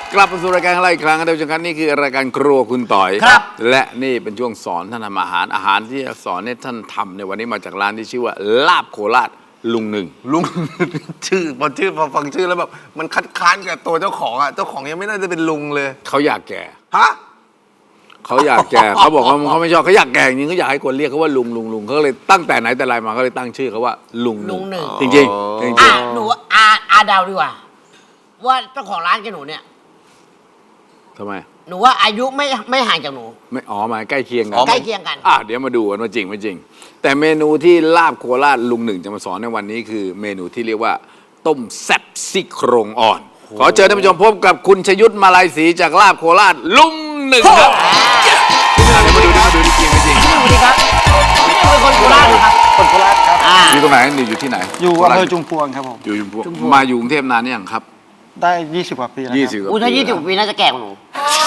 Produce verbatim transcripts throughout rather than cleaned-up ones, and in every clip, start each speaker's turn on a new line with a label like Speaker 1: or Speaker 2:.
Speaker 1: กลับมาสู่รายการอะไรอีกครั้งครับท่านผู้ชมครับนี่คือรายการครัวคุณต่อย
Speaker 2: ครับ
Speaker 1: และนี่เป็นช่วงสอนท่านทำอาหารอาหารที่จะสอนให้ท่านทำในวันนี้มาจากร้านที่ชื่อว่าลาบโคราชลุงหนึ่ง
Speaker 2: ลุง ชื่อพอชื่อพอฟังชื่อแล้วแบบมันคัดค้านกับตัวเจ้าของอ่ะเจ้าของยังไม่น่าจะเป็นลุงเลย
Speaker 1: เขาอยากแก่
Speaker 2: ฮะ
Speaker 1: เขาอยากแก่ เขาบอกว่าเขาไม่ชอบเขาอยากแก่จริงเขาอยากให้คนเรียกเขาว่าลุงลุงลุงเขาเลยตั้งแต่ไหนแต่ไรมาเขาเลยตั้งชื่อเขาว่าลุง
Speaker 3: ลุงหนึ่ง
Speaker 1: จริงจริงๆจริง
Speaker 3: อ่ะหนูอาอาเดาดีกว่า ว่าเจ้าของร้านกับหนูเนี่ย
Speaker 1: ๆทำไม
Speaker 3: หนูว่าอายุไม่ไม่ห่างจากหนู
Speaker 1: ไม่อ๋อหมายใกล้เคียงกัน
Speaker 3: ใกล้เคียงกัน
Speaker 1: อ่ะเดี๋ยวมาดูกันว่าจริงไม่จริง แต่เมนูที่ลาบโคราชลุงหนึ่งจะมาสอนในวันนี้คือเมนูที่เรียกว่า ต้มแซ่บซี่โครงอ่อน ขอเชิญท่านผู้ชมพบกับคุณชยุทธมาลัยศรีจากลาบโคราชลุงหนึ่งครับเดี๋ยวมาดูนะมาดูที่จริงไม่จริง
Speaker 3: พี่หนึ่งสวัสดีครับพี่หนึ่งเป็นคนโคราชเหรอครับ
Speaker 4: คนโคราชครับ
Speaker 3: อ่า
Speaker 1: อยู่ตรงไหนนี่อยู่ที่ไหน
Speaker 4: อยู่อำเภอจุมพวงครับผม
Speaker 1: อยู่ชุมพวงมาอยู่กรุงเทพนานนี่ยังครับ
Speaker 4: ได้ยี่สิบกว่าปีแล้ว
Speaker 1: ยี่
Speaker 4: ค
Speaker 1: สิบ
Speaker 4: รับ
Speaker 1: กว่า
Speaker 3: อู้
Speaker 1: ปี
Speaker 3: ถ้ายี่สิบปีน่าจะแก่กว่าหนู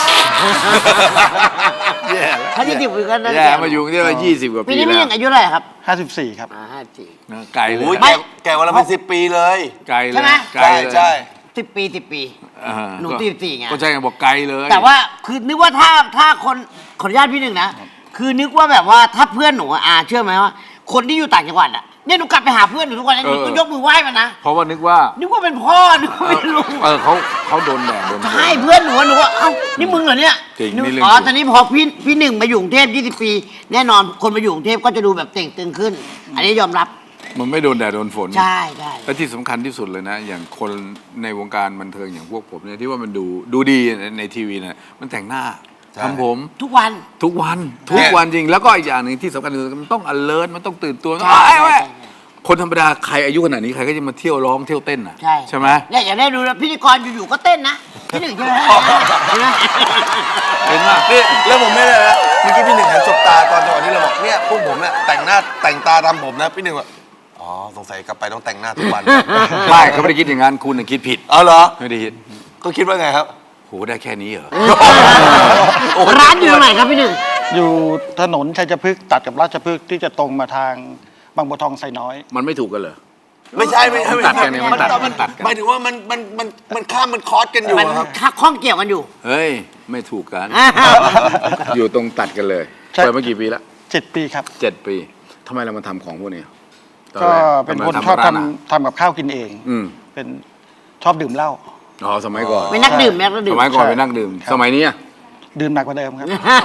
Speaker 1: แย่แล้ว
Speaker 3: ถ้ายี่สิบปีก็น่าจะ
Speaker 1: แย่
Speaker 3: แก่
Speaker 1: มาอยู่กรุงเทพมายี่สิบกว่า
Speaker 3: ปี
Speaker 1: ปี
Speaker 3: นี้
Speaker 1: แล้
Speaker 3: พี่ห
Speaker 1: ว
Speaker 3: นึ่งอายุเท่าไหร่ครับ
Speaker 4: ห้าสิบสี่ครับ
Speaker 3: อ่าห้าสี่
Speaker 1: ไกลเล
Speaker 2: โอ้ย
Speaker 1: ย
Speaker 2: แกแกวันละเป็นสิบปีเลย
Speaker 1: ไกลเลย
Speaker 3: ใช่ไหม
Speaker 1: ไกล
Speaker 2: ใช่
Speaker 1: เลย
Speaker 2: ใช่
Speaker 3: สิบปีสิบปี
Speaker 1: อ่า
Speaker 3: หนู
Speaker 1: ก็
Speaker 3: สี่สิบสี่ไง
Speaker 1: ก็ใช่ไงบอกไกลเลย
Speaker 3: แต่ว่าคือนึกว่าถ้าถ้าคนขออนุญาตพี่หนึ่งนะ คือนึกว่าแบบว่าถ้าเพื่อนหนูอะอาเชื่อไหมว่า คนที่อยู่ต่างจังหวัดอ่ะเนี่ยหนูกลับไปหาเพื่อนหนูทุกวันนี้หนูก็ยกมือไหว้มันนะ
Speaker 1: เพราะว่านึกว่า
Speaker 3: นึกว่าเป็นพ่อนึกว่าเป็นลุง
Speaker 1: เออเขาเขาโดนแดดโดนฝน
Speaker 3: ใช่เพื่อนหนูอะหนูว่าเอ้านี่มึงเหรอเนี่ย
Speaker 1: จริง
Speaker 3: นึก
Speaker 1: นี่เรื่อง
Speaker 3: อ๋อ
Speaker 1: จริง
Speaker 3: ตอนนี้พอพี่พี่หนึ่งมาอยู่กรุงเทพยี่สิบปี แน่นอนคนมาอยู่กรุงเทพก็จะดูแบบเต่งตึงขึ้น อันนี้ยอมรับ
Speaker 1: มันไม่โดนแดดโดนฝน
Speaker 3: ใช่ใช่
Speaker 1: และที่สำคัญที่สุดเลยนะ อย่างคนในวงการบันเทิงอย่างพวกผมเนี่ยที่ว่ามันดูดูดีในในทีวีเนี่ยมันแต่งหน้าทำผม
Speaker 3: ทุกวัน
Speaker 1: ทุกวันทุกวันจริง แล้วก็อีกอย่างหนึ่งที่สำคัญคือมันต้อง alert มันต้องตื่นตัว
Speaker 3: ใช่
Speaker 1: เอ้ยเว้ย
Speaker 3: ใช่
Speaker 1: คนธรรมดาใครอายุขนาดนี้ใครก็จะมาเที่ยวร้องเที่ยวเต้นอ่ะ
Speaker 3: ใช่
Speaker 1: ใช่ไหม
Speaker 3: เนี่ยอย่าได้ดูนะพิธีกรอยู่ๆก็เต้นนะพี่หนึ่งใช่ไหมใช่ไหม
Speaker 1: เห็นไหม
Speaker 2: นี่แล้วผมไม่เลยนะเมื่อกี้พี่หนึ่งหันสบตาตอนจังหวะที่เราบอกเนี่ยพวกผมเนี่ยแต่งหน้าแต่งตาทำผมนะพี่หนึ่งว่าอ๋อสงสัยกลับไปต้องแต่งหน้าทุกวัน
Speaker 1: ไม่เขาไม่ได้คิดอย่างนั้นคุณน่ะคิดผิด
Speaker 2: เอาเหรอ
Speaker 1: ไม่ได้คิด
Speaker 2: ก็คิดว่าไงครับ
Speaker 1: โหได้แค่นี้เหรอ
Speaker 3: ร้านอยู่ตรงไหนครับพี่หนึ่ง
Speaker 4: อยู่ถนนชัยพฤกษ์ตัดกับราชพฤกษ์ที่จะตรงมาทางบางบัวทองไซน้อย
Speaker 1: มันไม่ถูกกันเหรอ
Speaker 2: ไม่ใช่ไม่ใช่ไม่
Speaker 1: ตัด
Speaker 2: ใช่
Speaker 1: กันเนี่ยมันตัด
Speaker 2: มัน
Speaker 1: ตัดกัน
Speaker 2: หมายถึงว่ามันมันมันมันข้ามมันคอสกันอยู่
Speaker 3: มัน
Speaker 2: อะครับ
Speaker 3: ข้องเกี่ยวกันอยู่
Speaker 1: เฮ้ย ไม่ถูกกัน
Speaker 3: อ่า
Speaker 1: อยู่ตรงตัดกันเลย
Speaker 4: ใช่
Speaker 1: เปิดมากี่ปีแล้ว
Speaker 4: เจ็ดปีครับ
Speaker 1: เจ็ดปีทำไมเรามาทำของพวกนี้ตอ
Speaker 4: ก็
Speaker 1: แร
Speaker 4: เป็น
Speaker 1: ทำไม
Speaker 4: คน
Speaker 1: ทำ
Speaker 4: ชอบ
Speaker 1: ร้านอาหาร
Speaker 4: ทำทำกับข้าวกินเอง
Speaker 1: อืม
Speaker 4: เป็นชอบดื่มเหล้า
Speaker 1: อ๋อสมัยก่อน
Speaker 3: เป็นนักดื่มเป็นนักดื่
Speaker 1: ส
Speaker 3: ม
Speaker 1: มัยก่อน
Speaker 4: ใช่
Speaker 1: เป็นนักดื่ม
Speaker 4: ครับ
Speaker 1: สมัยนี้อะ
Speaker 4: ดื่มหนักกว่าเดิมครับ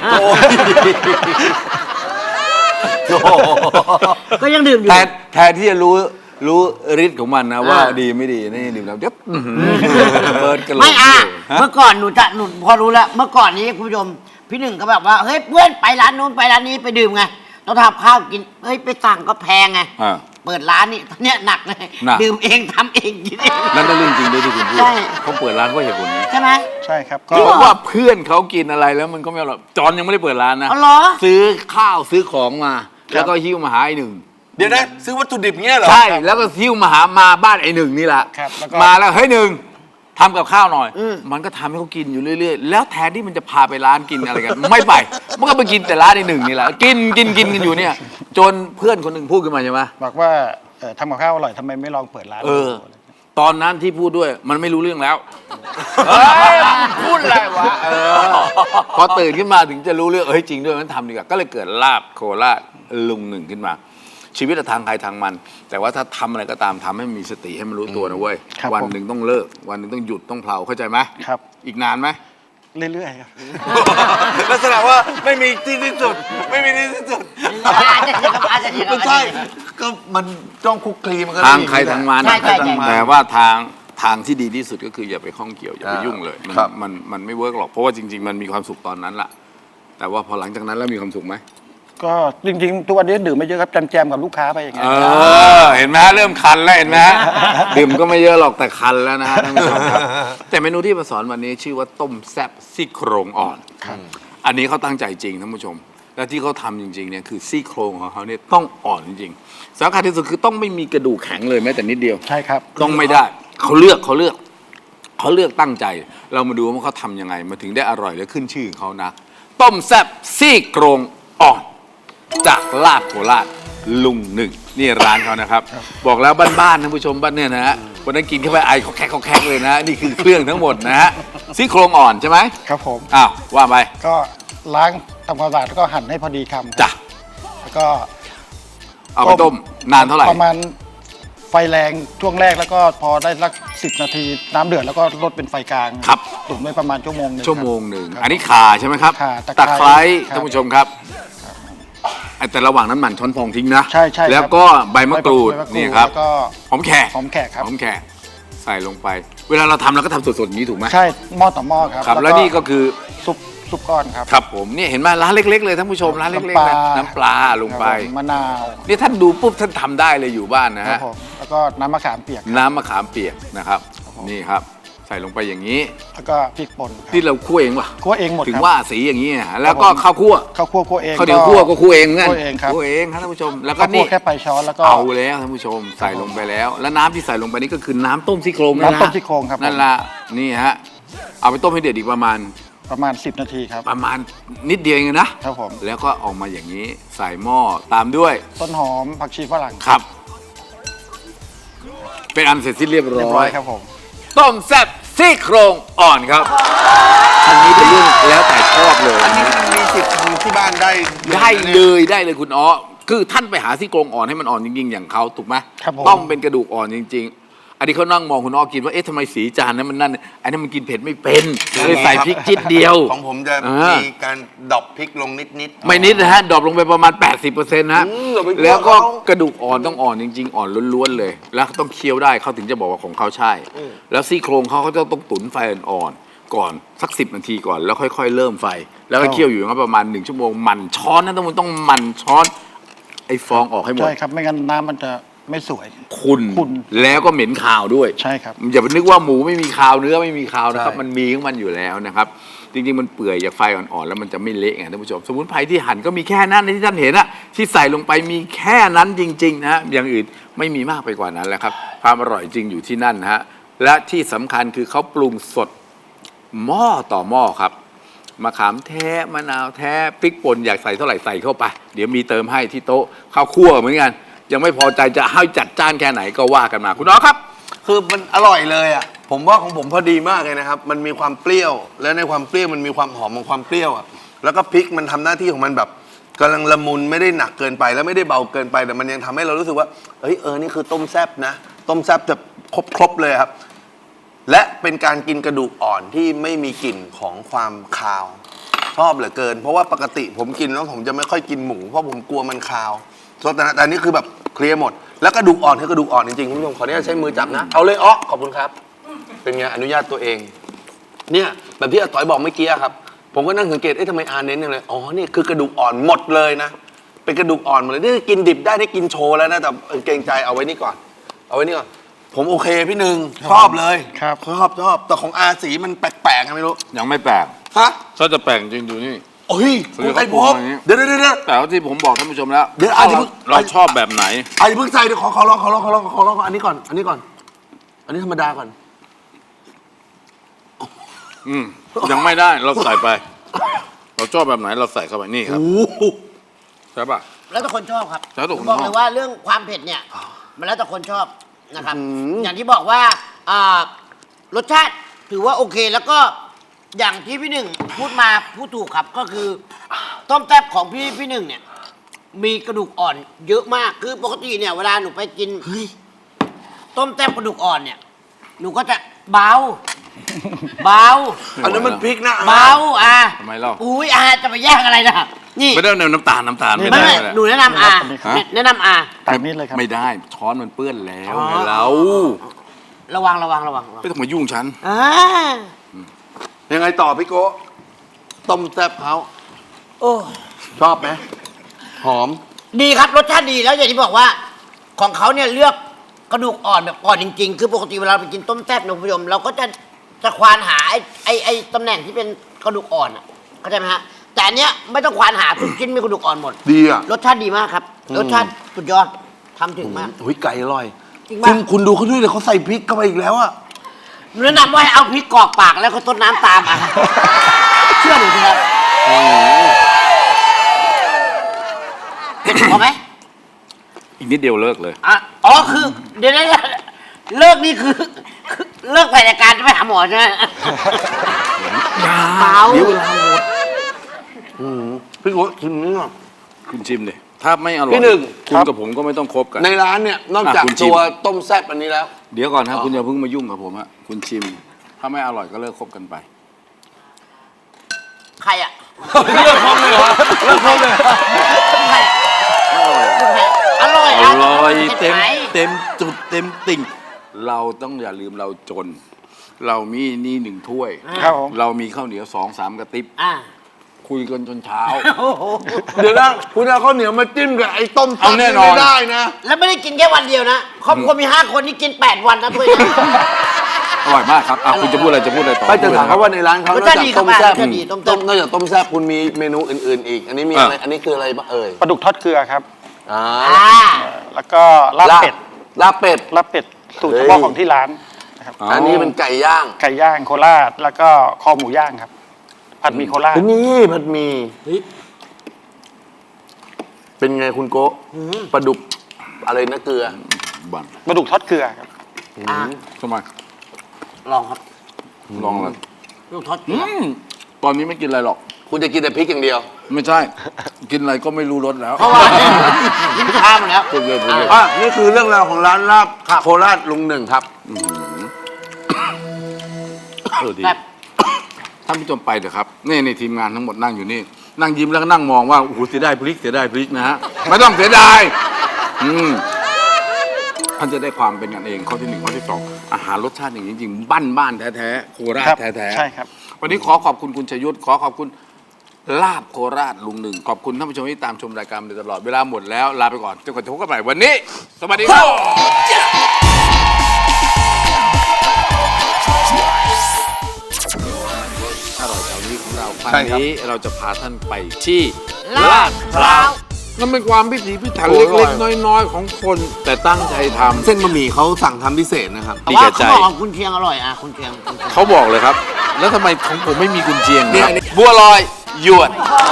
Speaker 3: ก็ยังดื่มอยู่
Speaker 1: แทนแทนที่จะรู้รู้ฤทธิ์ของมันนะว่าดีไม่ดีนี่ดื่มแล้วเดี๋ยวอื้อหือเบิร์ดกันเลย
Speaker 3: ไม่อ่ะ
Speaker 1: ฮะ
Speaker 3: เมื่อก่อนหนูจะหนูพอรู้แล้วเมื่อก่อนนี้คุณผู้ชมพี่หนึ่งก็แบบว่าเฮ้ยเพื่อนไปร้านนู้นไปร้านนี้ไปดื่มไงต้องทำข้าวกินเฮ้ยไปสั่งก็แพงไง
Speaker 1: อ่า
Speaker 3: เปิดร้านนี่ตอนเนี้ยหนักเลย
Speaker 1: หนัก
Speaker 3: ดื่มเองทำเองกินเอง
Speaker 1: นั่นก็เรื่องจริงด้วยที่คุณพูด
Speaker 3: ใช่
Speaker 1: เขาเปิดร้านเพราะเหตุผลนี้
Speaker 3: ใช่ไหม
Speaker 4: ใช่ครับ ก็
Speaker 1: เพราะว่าเพื่อนเขากินอะไรแล้วมันก็ไม่อร่อยจอนยังไม่ได้เปิดร้านนะ
Speaker 3: อ๋อเหรอ
Speaker 1: ซื้อข้าวซื้อของมา แล้วก็หิ้วมาหาไอ้หนึ่ง
Speaker 2: เดี๋ยวนะซื้อวัตถุดิบเงี้ยเหรอ
Speaker 1: ใช่แล้วก็หิ้วมาหามาบ้านไอ้หนึ่งนี่แหละ
Speaker 4: ครับแล้วก็
Speaker 1: มาแล้วเฮ้ยหนึ่งทำกับข้าวหน่อย มันก็ทำให้เขากินอยู่เรื่อยๆ แล้วแทนที่มันจะพาไปร้านกินอะไรกัน ไม่ไป มันก็ไปกินแต่ร้านไอ้หนึ่งนี่แหละกินกินกินกันอยู่เนี่ย จนเพื่อนคนหนึ่งพูดขึ้นมาใช่ไหม
Speaker 4: บอกว่าเอ่อทำกับข้าวอร่อยทำไมไม่ลองเปิดร้าน
Speaker 1: เออ ตอนนั้นที่พูดด้วยมันไม่รู้เรื่องแล้วเฮ้ยพูดอะไรวะเออพอตื่นขึ้นมาถึงจะรู้เรื่องเฮ้ยจริงด้วยมันทำดีกว่าก็เลยเกิดลาบโคราชลุงหนึ่งขึ้นมา ชีวิตทางใครทางมัน แต่ว่าถ้าทำอะไรก็ตามทำให้มีสติให้มันรู้ตัวนะเว้ย
Speaker 4: ครับ
Speaker 1: วัน
Speaker 4: ผม
Speaker 1: หนึ่งต้องเลิก วันหนึ่งต้องหยุดต้องเพลาเข้าใจไหม
Speaker 4: ครับ
Speaker 1: อีกนานไหม
Speaker 4: เรื่อยๆครับ
Speaker 2: ลักษณะว่าไม่มีที่สิ้นสุดไม่มีที่สิ้นสุด
Speaker 3: อาจจะเถียงกับอาจจะเถียงกับ
Speaker 2: ไม่ใช่ก็มันจ้องคุกคลีมันก็
Speaker 1: ทาง
Speaker 2: อย่
Speaker 1: ใครทางมัน
Speaker 3: ใช่ใช่ใช่
Speaker 1: แต่ว่าทางทางที่ดีที่สุดก็คืออย่าไปข้องเกี่ยวอย่าไปยุ่งเลยมัน
Speaker 2: ครับ
Speaker 1: มันมันไม่เวิร์กหรอกเพราะว่าจริง ๆ มันมีความสุขตอนนั้นล่ะ แต่ว่าพอหลังจากนั้นแล้วมีความสุขไหม
Speaker 4: ก็จริงๆทุกวันนี้ดื่มไม่เยอะครับแจมๆกับลูกค้าไปอย่างเงี้
Speaker 1: เอย อ เห็นไหมฮะเริ่มคันแล้วเห็นไหมฮะดื่มก็ไม่เยอะหรอกแต่คันแล้วนะฮะท่านผู้ชมครับแต่เมนูที่มาสอนวันนี้ชื่อว่าต้มแซ่บซี่โครงอ่อน อันนี้เขาตั้งใจจริงท่านผู้ชม และที่เขาทำจริงๆเนี่ยคือซี่โครงของเขาเนี่ยต้องอ่อนจริงๆสำคัญที่สุดคือต้องไม่มีกระดูกแข็งเลยแม้แต่นิดเดียว
Speaker 4: ใช่ครับ
Speaker 1: ต้องไม่ได้เขาเลือกเขาเลือกเขาเลือกตั้งใจ เรามาดูว่าเขาทำยังไงมาถึงได้อร่อยและขึ้นชื่อของเขานะ ต้มแซ่บซี่โครงอ่อนจากลาบโคราชลุงหนึ่งนี่ร้านเขานะครับ บอกแล้วบ้านๆท่านผู้ชมบ้านเนี่ยนะฮะวันนั้นกินเข้าไปไอเขาแคกเขาแคกเลยนะ นี่คือเครื่องทั้งหมดนะฮะซี่โครงอ่อนใช่ไหม
Speaker 4: ครับผม
Speaker 1: อ้าวว่าไป
Speaker 4: ก็ล้างทำความสะอาดแล้วก็หั่นให้พอดีคำ
Speaker 1: จ้ะ
Speaker 4: แล้วก็
Speaker 1: เอาไปต้มนานเท่าไหร่
Speaker 4: ประมาณไฟแรงช่วงแรกแล้วก็พอได้สักสิบนาทีน้ำเดือดแล้วก็ลดเป็นไฟกลาง
Speaker 1: ครับ
Speaker 4: ตุ๋นไว้ประมาณชั่วโมงหนึง
Speaker 1: ชั่วโมงหนึ่ง
Speaker 4: ครับ
Speaker 1: อันนี้ข่าใช่ไหมครับ
Speaker 4: ข่าตะ
Speaker 1: ตะ
Speaker 4: ไค
Speaker 1: ไค
Speaker 4: ร้
Speaker 1: ร้
Speaker 4: ครับ
Speaker 1: ท่านผู้ชมครับไอ้แต่ระหว่างนั้นหมั่นช้อนฟองทิ้งนะ
Speaker 4: ใช่ใช่ครับ
Speaker 1: แล้วก็ใบมะกรูด
Speaker 4: ใบมะกรูด
Speaker 1: นี่ครับ
Speaker 4: แล้วก็
Speaker 1: หอมแขก
Speaker 4: หอมแขกครับ
Speaker 1: หอมแขกใส่ลงไป เวลาเราทำเราก็ทำสดๆอย่างนี้ถูกไหม
Speaker 4: ใช่หม้อต่อหม้อครับ
Speaker 1: ครับ แล้วนี่ก็คือ
Speaker 4: ซุปซุปก้อนครับ
Speaker 1: ครับผมเนี่ยเห็นไหมร้านเล็ก ๆ เลยท่านผู้ชมร้านเล็กๆ
Speaker 4: น้ำป
Speaker 1: นะ
Speaker 4: ลา
Speaker 1: น้ำปลาลงไป
Speaker 4: ครับผมมะนาว
Speaker 1: นี่ท่านดูปุ๊บท่านทำได้เลยอยู่บ้านนะ
Speaker 4: ครั
Speaker 1: ฮะ
Speaker 4: บผมแล้วก็น้ำมะขามเปียก
Speaker 1: น้ำมะขามเปียกนะครับ นี่ครับ ใส่ลงไปอย่างนี้
Speaker 4: แล้วก็พริกป่นครับ
Speaker 1: ที่เราคั่วเองป่ะ
Speaker 4: คั่วเองหมด
Speaker 1: ถึง
Speaker 4: ครับ
Speaker 1: ว่าสีอย่างนี้นะแล้วก็
Speaker 4: ครับผม
Speaker 1: ข้าวคั่ว
Speaker 4: ข้าวคั่วคั่วเอง
Speaker 1: ข้าวเหนียวคั่วก็คั่วเองเหมือนกัน
Speaker 4: คั่วเองครับ
Speaker 1: คั่วเองครับท่านผู้ชม แล้วก็
Speaker 4: ข้าวคั่
Speaker 1: นี่
Speaker 4: วแค่ปลายช้อนแล้วก็
Speaker 1: เอาแล้วท่านผู้ชมใส่ลงไปแล้ว แล้วน้ำที่ใส่ลงไปนี่ก็คือน้ำต้มซี่โครงนั่น
Speaker 4: น้ำ
Speaker 1: ละ
Speaker 4: ต้มซี่โครงครับ
Speaker 1: นั่นละนี่ฮะเอาไปต้มให้เดือดอีกประมาณ
Speaker 4: ประมาณสิบนาทีครับ
Speaker 1: ประมาณนิดเดียวเองนะ
Speaker 4: ครับผม
Speaker 1: แล้วก็ออกมาอย่างนี้ใส่หม้อตามด้วย
Speaker 4: ต้นหอมผักชีฝรั่ง
Speaker 1: ครับ เป็นอันเสร็จสิ้นเรียบ
Speaker 4: เรียบ
Speaker 1: ร้
Speaker 4: ร้
Speaker 1: อ
Speaker 4: อย ยครับผม
Speaker 1: ต้มแซ่บซี่โครงอ่อนครับ อันนี้เป็นเรื่องแล้วแต่ชอบเลย
Speaker 2: อันนี้มันมีสิทธิ์ทำที่บ้านได้
Speaker 1: ได้เลยได้เลยคุณอ๋อคือท่านไปหาซี่โครงอ่อนให้มันอ่อนจริงๆอย่างเขาถูกไหม
Speaker 4: ครับผม
Speaker 1: ต้องเป็นกระดูกอ่อนจริง ๆ อันนี้เขานั่งมองคุณอ๋อกินว่าเอ๊ะทำไมสีจานนั้นมันนั่นอันนั้นมันกินเผ็ดไม่เป็นเลยใส่พริกจิตเดียว
Speaker 2: ของผมจะ
Speaker 1: อ่ามี
Speaker 2: มีการดรอปพริกลงนิดๆ
Speaker 1: ไม่นิดนะฮะดรอปลงไปประมาณ แปดสิบเปอร์เซ็นต์ นะ
Speaker 2: อืมเราไปเคี่ยว
Speaker 1: แล้วก็
Speaker 2: เขา
Speaker 1: กระดูกอ่อนต้องอ่อนจริง ๆ อ่อนล้วนๆเลย แล้วต้องเคี้ยวได้เขาถึงจะบอกว่าของเขาใช่ แล้วซี่โครงเขาเขาจะต้องตุ๋นไฟอ่อนๆก่อนสักสิบนาทีก่อนแล้วค่อยๆเริ่มไฟ แล้วก็เคี่ยวอยู่อย่างนั้นประมาณหนึ่งชั่วโมงหมันช้อนนะต้องต้องหมันช้อนไอ้ฟองออกให้หมด
Speaker 4: ใช่ครับไม่งั้นน้ำมันจะไม่สวย
Speaker 1: คุณ
Speaker 4: ขุ่น
Speaker 1: แล้วก็เหม็นคาวด้วย
Speaker 4: ใช่ครับ
Speaker 1: อย่าไปนึกว่าหมูไม่มีคาวเนื้อไม่มีคาวนะครับ
Speaker 2: ใช่
Speaker 1: มันมีของมันอยู่แล้วนะครับ จริงๆมันเปื่อยจากไฟอ่อนๆแล้วมันจะไม่เละไงท่านผู้ชมสมุนไพรที่หั่นก็มีแค่นั้นที่ท่านเห็นอะที่ใส่ลงไปมีแค่นั้นจริงๆนะฮะอย่างอื่นไม่มีมากไปกว่านั้นแหละครับความอร่อยจริงอยู่ที่นั่นนะฮะและที่สำคัญคือเขาปรุงสดหม้อต่อหม้อครับมะขามแท้มะนาวแท้พริกป่นอยากใส่เท่าไหร่ใส่เข้าไป เดี๋ยวมีเติมให้ที่โต๊ะข้าวคั่วเหมือนกันยังไม่พอใจจะให้จัดจ้านแค่ไหนก็ว่ากันมาคุณน้องครับ
Speaker 2: คือมันอร่อยเลยอ่ะ ผมว่าของผมพอดีมากเลยนะครับ มันมีความเปรี้ยว และในความเปรี้ยวมันมีความหอมของความเปรี้ยวอ่ะ แล้วก็พริกมันทำหน้าที่ของมันแบบกำลังละมุนไม่ได้หนักเกินไป แล้วไม่ได้เบาเกินไป แต่มันยังทำให้เรารู้สึกว่า เอ้ยเออ นี่คือต้มแซบนะ ต้มแซบจะครบครบเลยครับ และเป็นการกินกระดูกอ่อนที่ไม่มีกลิ่นของความคาว ชอบเหลือเกิน เพราะว่าปกติผมกินแล้วผมจะไม่ค่อยกินหมู เพราะผมกลัวมันคาวแต่แต่อันนี้คือแบบเคลียร์หมด แล้วกระดูกอ่อนคือกระดูกอ่อนจริงๆคุณผู้ชมขออนุญาตใช้มือจับนะ เอาเลยอ๋อขอบคุณครับ เป็นไงอนุญาตตัวเอง เนี่ยแบบที่อาต๋อยบอกเมื่อกี้ครับ ผมก็นั่งสังเกตเอ๊ะทำไมอาเน้นอย่างเลยอ๋อนี่คือกระดูกอ่อนหมดเลยนะ เป็นกระดูกอ่อนหมดเลยนี่กินดิบได้ได้กินโชว์แล้วนะแต่เออเกรงใจเอาไว้นี่ก่อน เอาไว้นี่ก่อน ผมโอเคพี่หนึ่งชอบเลย
Speaker 4: ครับ
Speaker 2: ชอบชอบแต่ของอาสีมันแปลกๆไงไม่รู้
Speaker 1: ยังไม่แปลก
Speaker 2: ฮะ
Speaker 1: ถ้าจะแปลกจริงดูนี่
Speaker 2: โอ้ย
Speaker 1: เดี๋
Speaker 2: คุ
Speaker 1: ยว
Speaker 2: ณไอ้
Speaker 1: เขา
Speaker 2: พ
Speaker 1: ปรุ
Speaker 2: บ
Speaker 1: งอย่างนี้
Speaker 2: เดี๋ยวเดี๋ยวเดี๋ยว
Speaker 1: แต่ว่าที่ผมบอกท่านผู้ชมแล้ว
Speaker 2: เดี๋ยวอาจจะ
Speaker 1: เรา
Speaker 2: เพิ่ง
Speaker 1: เราชอบแบบไหน
Speaker 2: ไอ้เพิ่งใส่เดี๋ยวขอขอลองขอลองขอลองขอลองอันนี้ก่อน อันนี้ก่อน อันนี้ธรรมดาก่อน
Speaker 1: อืมยังไม่ได้เราใส่ไป เราชอบแบบไหนเราใส่เข้าไปนี่ครับ
Speaker 2: โอ้โห
Speaker 1: ใช่ปะ
Speaker 3: แล้วแต่คนชอบครับ
Speaker 1: แล้วแต่คน
Speaker 3: ผมบอก
Speaker 1: ชอบ
Speaker 3: เลยว่าเรื่องความเผ็ดเนี่ย มันแล้วแต่คนชอบนะครับ
Speaker 2: อืม
Speaker 3: อย่างที่บอกว่าอ่ารสชาติถือว่าโอเคแล้วก็อย่างที่พี่หนึ่งพูดมาพูดถูกครับก็คือต้มแซ่บของพี่พี่หนึ่งเนี่ย มีกระดูกอ่อนเยอะมากคือปกติเนี่ยเวลาหนูไปกินต้มแซ่บกระดูกอ่อนเนี่ย หนูก็จะเบา เบา
Speaker 2: อันนั้นมันพริกนะ
Speaker 3: เบาอ่ะ
Speaker 1: ทำไมเล่า
Speaker 3: อุ้ยอาจะไปแย่งอะไรนะนี่
Speaker 1: ไม่ได้เอาน้ำตาลน้ำตาลไม่
Speaker 3: ไม่
Speaker 1: ได้
Speaker 3: ไม่
Speaker 1: ไม่ได้
Speaker 3: หนูแนะนำอา
Speaker 1: ฮะ
Speaker 3: แนะนำอา
Speaker 4: ตักนิดเลยครับ
Speaker 1: ไม่ได้ช้อนมันเปื้อนแล้ว
Speaker 3: อ๋อ
Speaker 1: ไงเรา
Speaker 3: ระวังระวังระวังระวัง
Speaker 1: ไม่ต้องมายุ่งฉัน
Speaker 3: อ่า
Speaker 2: ยังไงต่อพี่โก้ต้มแซ่บเขา
Speaker 3: โอ้
Speaker 2: ชอบไหมหอม
Speaker 3: ดีครับรสชาติดีแล้วอย่างที่บอกว่า ของเขาเนี่ยเลือกกระดูกอ่อนแบบอ่อนจริงๆ คือปกติเวลาเราไปกินต้มแซ่บนะคุณผู้ชมเราก็จะจะควานหาไอ้ไอ้ไอ้ตำแหน่งที่เป็นกระดูกอ่อนอ่ะเข้าใจไหมฮะแต่อันเนี้ยไม่ต้องควานหาทุกชิ้นมีกระดูกอ่อนหมด
Speaker 2: ดีอ่ะ
Speaker 3: รสชาติดีมากครับ รสชาติสุดยอดทำถึงมาก
Speaker 2: โอ้ยไก่อร่อย
Speaker 3: จริง
Speaker 2: คุ
Speaker 3: ปะ
Speaker 2: ณคุณดูเขาด้วยเลยเขาใส่พริกเข้าไปอีกแล้วอ่ะ
Speaker 3: หนูแนะนำว่าให้เอาพริกกรอกปากแล้วก็ต้นน้ำตามอ่ะ เชื่อหนูเถอะครับพอไหม
Speaker 1: อีกนิดเดียวเลิกเลย
Speaker 3: อ่ะอ๋อคือเดี๋ยวนะเลิกนี่คือคือเลิกถ่ายรายการจะไปหาหมอใช่ไหมเมา
Speaker 1: เดี๋ยวเวลาหมด
Speaker 2: อืมพี่โก้ชิมนี่ก่อน
Speaker 1: คุณชิมเลยถ้าไม่อร่อย
Speaker 2: พี่หนึ่ง
Speaker 1: คุณกับผมก็ไม่ต้องคบกัน
Speaker 2: ในร้านเนี่ยนอกจาก
Speaker 1: อ่ะคุณชิม
Speaker 2: ตัวต้มแซ่บอันนี้แล้ว
Speaker 1: เดี๋ยวก่อนครับคุณอย่าเพิ่งมายุ่งกับผมฮะคุณชิม ถ้าไม่อร่อยก็เลิกคบกันไป
Speaker 3: ใครอ่ะ
Speaker 2: เลิกคบเลยเหรอเลิกคบเลยเหรอ
Speaker 3: ใครอะใครอะอร่อย
Speaker 1: อ
Speaker 3: อะ
Speaker 1: ร่อยเต็ม
Speaker 3: ไหน
Speaker 1: เต็มจุดเต็มติ่ง เราต้องอย่าลืมเราจน เรามีนี่หนึ่งถ้วย
Speaker 4: ครับผม
Speaker 1: เรามีข้าวเหนียวสองสามกระติบ
Speaker 3: อ่ะ
Speaker 1: คุยกันจนเช้า
Speaker 3: โอ้โห
Speaker 2: เดี๋ยวนะคุณเอาข้าวเหนียวมาจิ้มกับไอ้ต้ม
Speaker 1: เอาแน่นอน
Speaker 2: ไม่ได้นะ
Speaker 3: แล้วไม่ได้กินแค่วันเดียวนะครอบครัวมีห้าคนนี่กินแปดวันนะถ้วยนี้
Speaker 1: อร่อยมากครับอ่ะคุณจะพูดอะไรจะพูดอะไรต่อ
Speaker 2: ไปจะถามเขาว่าในร้านเขา
Speaker 3: ร
Speaker 2: น
Speaker 3: ส
Speaker 2: อก
Speaker 3: ชาติ
Speaker 2: จาก
Speaker 3: ดี
Speaker 2: ต้ม
Speaker 3: ครับ
Speaker 2: แซ่บ
Speaker 3: รสชาติดีต้มแซ่บ
Speaker 2: ต้มนอกจากต้มแซ่บคุณมีเมนูอื่น ๆ อีก อันนี้มีอะไรอันนี้คืออะไรบ้างเอ่ย
Speaker 4: ปลาดุกทอดเกลือครับ
Speaker 2: อ่า
Speaker 3: อ่า
Speaker 4: แล้วก็ลาบเป็ด
Speaker 2: ลาบเป็ด
Speaker 4: ลาบเป็ดสูตร
Speaker 2: เฮ้
Speaker 4: เฉ
Speaker 2: ย
Speaker 4: พาะของที่ร้านนะครับ
Speaker 2: อันนี้เป็นไก่ย่าง
Speaker 4: ไก่ย่างโคราชแล้วก็คอหมูย่างครับ ผัดหมี่โคราช
Speaker 2: นี่ผัดหมี่
Speaker 3: เฮ้ย
Speaker 2: เป็นไงคุณโกะปลาดุกอะไรนะเกลือ
Speaker 1: บัน
Speaker 4: ปลาดุกทอดเกลือครับ
Speaker 3: อ่ะ
Speaker 1: ทำไม
Speaker 3: ลองครับ
Speaker 1: ลองเลย
Speaker 3: ลูกทอดเกลื
Speaker 1: อื
Speaker 3: อ
Speaker 1: มตอนนี้ไม่กินอะไรหรอก
Speaker 2: คุณจะกินแต่พริกอย่างเดียว
Speaker 1: ไม่ใช่ กินอะไรก็ไม่รู้รสแล้ว
Speaker 3: เพราะว่าลิ้นชาหมดแล้ว
Speaker 1: พูดเลยพูดเลย
Speaker 2: อ่ะนี่คือเรื่องราวของร้านลาบโคราชลุงหนึ่งครับ
Speaker 1: เออดี
Speaker 3: แบบ
Speaker 1: ท่านผู้ชมไปเถอะครับนี่ในทีมงานทั้งหมดนั่งอยู่นี่ นั่งยิ้มแล้วก็นั่งมองว่าโอ้โหเสียดายพริกเสียดายพริกนะฮะไม่ต้องเสียดายอืมท่านจะได้ความเป็นกันเองข้อที่หนึ่งข้อที่สองอาหารรสชาติอย่างนี้จริงบ้านบ้านๆแท้ๆโคราช
Speaker 4: ครับ
Speaker 1: แท้ๆ
Speaker 4: ใช่ครับ
Speaker 1: วันนี้ขอขอบคุณคุณชยุทธขอขอบคุณลาบโคราชลุงหนึ่งขอบคุณท่านผู้ชมที่ตามชมรายการมาโดยตลอดเวลาหมดแล้วลาไปก่อนจนกว่าจะพบกันใหม่วันนี้ สวัสดีครับอร่อยแถวนี้ของเราครั้
Speaker 2: ใช่
Speaker 1: ง
Speaker 2: ครับ
Speaker 1: นี้เราจะพาท่านไปที่
Speaker 3: ลาดพร้าว
Speaker 1: มันเป็นความพิถีพิถัน
Speaker 2: โอ้
Speaker 1: เล็ก
Speaker 2: อร่อย
Speaker 1: ๆ น้อยๆ ของคน แต่ตั้งใจทำ
Speaker 2: เส้นบะหมี่เขาสั่งทำพิเศษนะครับ
Speaker 3: แต่ว่าเขาบอกของคุณเชียงอร่อยอ่ะคุณเชียงคุณเชียง
Speaker 1: เขาบอกเลยครับ แล้วทำไมของผมไม่มีกุนเชียง
Speaker 2: เนี่
Speaker 1: ครับ
Speaker 2: ย
Speaker 1: บัวลอยหยวน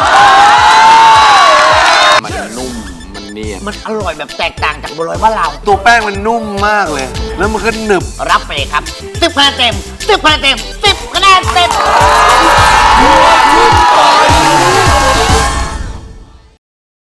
Speaker 1: มันนุ่มมันเนียน
Speaker 3: มันอร่อยแบบแตกต่างจากบัวลอยบ้านเรา
Speaker 2: ตัวแป้งมันนุ่มมากเลย แล้วมันก็หนึบ
Speaker 3: รับไปเลยครับสิบคะแนนเต็มสิบคะแนนเต็มสิบคะแนนเต็ม